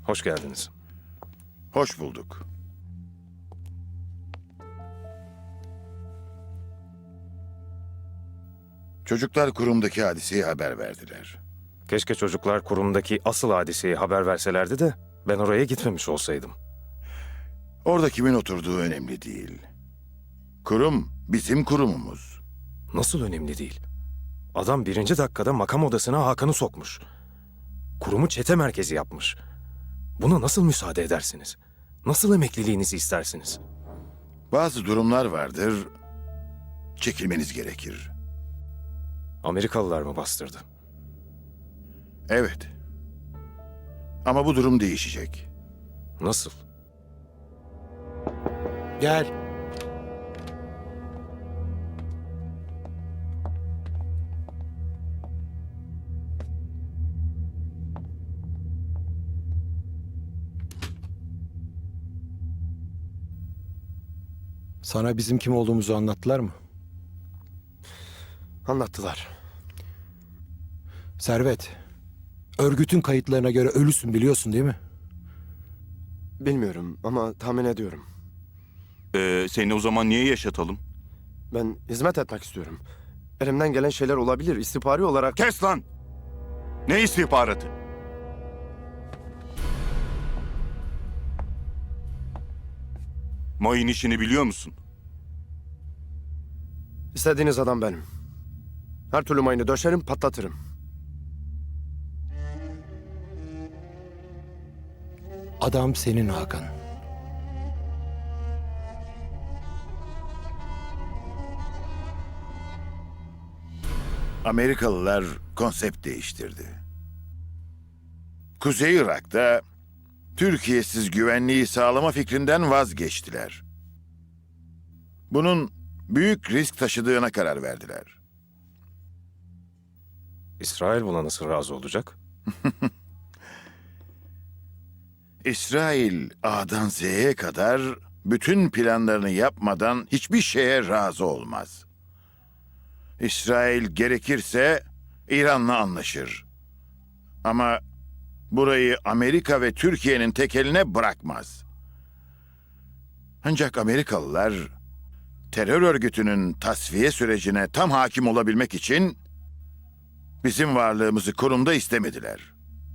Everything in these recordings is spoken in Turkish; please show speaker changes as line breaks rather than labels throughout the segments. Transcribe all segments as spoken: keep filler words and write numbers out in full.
Hoş geldiniz.
Hoş bulduk. Çocuklar kurumdaki hadiseyi haber verdiler.
Keşke çocuklar kurumdaki asıl hadiseyi haber verselerdi de ben oraya gitmemiş olsaydım.
Orada kimin oturduğu önemli değil. Kurum bizim kurumumuz.
Nasıl önemli değil? Adam birinci dakikada makam odasına Hakan'ı sokmuş. Kurumu çete merkezi yapmış. Buna nasıl müsaade edersiniz? Nasıl emekliliğinizi istersiniz?
Bazı durumlar vardır, çekilmeniz gerekir.
Amerikalılar mı bastırdı?
Evet. Ama bu durum değişecek.
Nasıl?
Gel. Sana bizim kim olduğumuzu anlattılar mı?
Anlattılar.
Servet, örgütün kayıtlarına göre ölüsün biliyorsun değil mi?
Bilmiyorum ama tahmin ediyorum.
Ee, seni o zaman niye yaşatalım?
Ben hizmet etmek istiyorum. Elimden gelen şeyler olabilir. İstihbari olarak...
Kes lan! Ne istihbaratı? Mayın işini biliyor musun?
İstediğiniz adam benim. Her türlü mayını döşerim, patlatırım.
Adam senin Hakan.
Amerikalılar konsept değiştirdi. Kuzey Irak'ta Türkiye'siz güvenliği sağlama fikrinden vazgeçtiler. Bunun büyük risk taşıdığına karar verdiler.
İsrail buna nasıl razı olacak?
İsrail A'dan Z'ye kadar bütün planlarını yapmadan hiçbir şeye razı olmaz. İsrail gerekirse İran'la anlaşır. Ama burayı Amerika ve Türkiye'nin tek eline bırakmaz. Ancak Amerikalılar terör örgütünün tasfiye sürecine tam hakim olabilmek için bizim varlığımızı kurumda istemediler.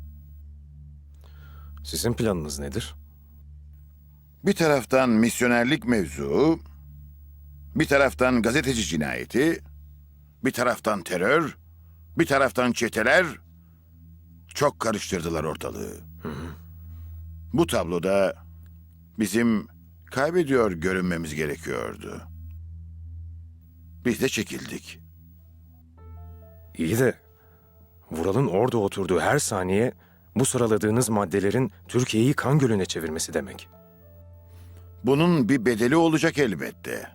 Sizin planınız nedir?
Bir taraftan misyonerlik mevzuu, bir taraftan gazeteci cinayeti, bir taraftan terör, bir taraftan çeteler çok karıştırdılar ortalığı. Bu tabloda bizim kaybediyor görünmemiz gerekiyordu. Biz de çekildik.
İyi de Vural'ın orada oturduğu her saniye bu sıraladığınız maddelerin Türkiye'yi kan gölüne çevirmesi demek.
Bunun bir bedeli olacak elbette.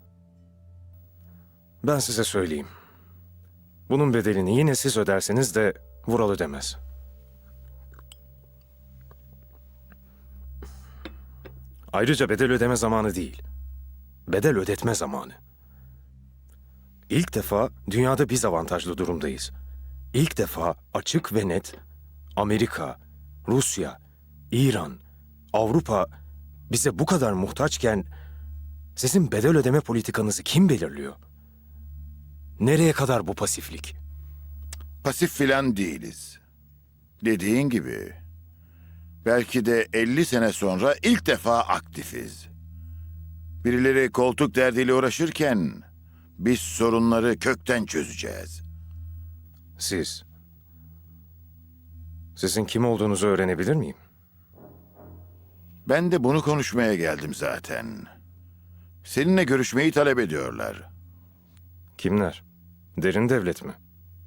Ben size söyleyeyim. Bunun bedelini yine siz öderseniz de Vural ödemez. Ayrıca bedel ödeme zamanı değil. Bedel ödetme zamanı. İlk defa dünyada biz avantajlı durumdayız. İlk defa açık ve net Amerika, Rusya, İran, Avrupa bize bu kadar muhtaçken sizin bedel ödeme politikanızı kim belirliyor? Nereye kadar bu pasiflik?
Pasif filan değiliz. Dediğin gibi belki de elli sene sonra ilk defa aktifiz. Birileri koltuk derdiyle uğraşırken biz sorunları kökten çözeceğiz.
Siz. Sizin kim olduğunuzu öğrenebilir miyim?
Ben de bunu konuşmaya geldim zaten. Seninle görüşmeyi talep ediyorlar.
Kimler? Derin devlet mi?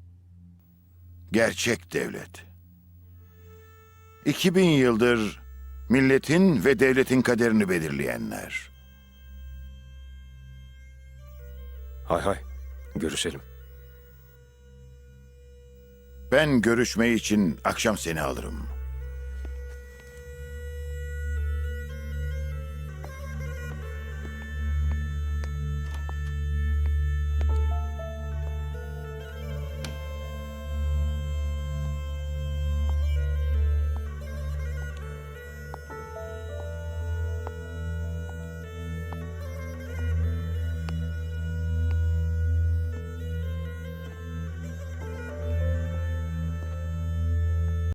Gerçek devlet. iki bin yıldır milletin ve devletin kaderini belirleyenler.
Hay hay. Görüşelim.
Ben görüşme için akşam seni alırım.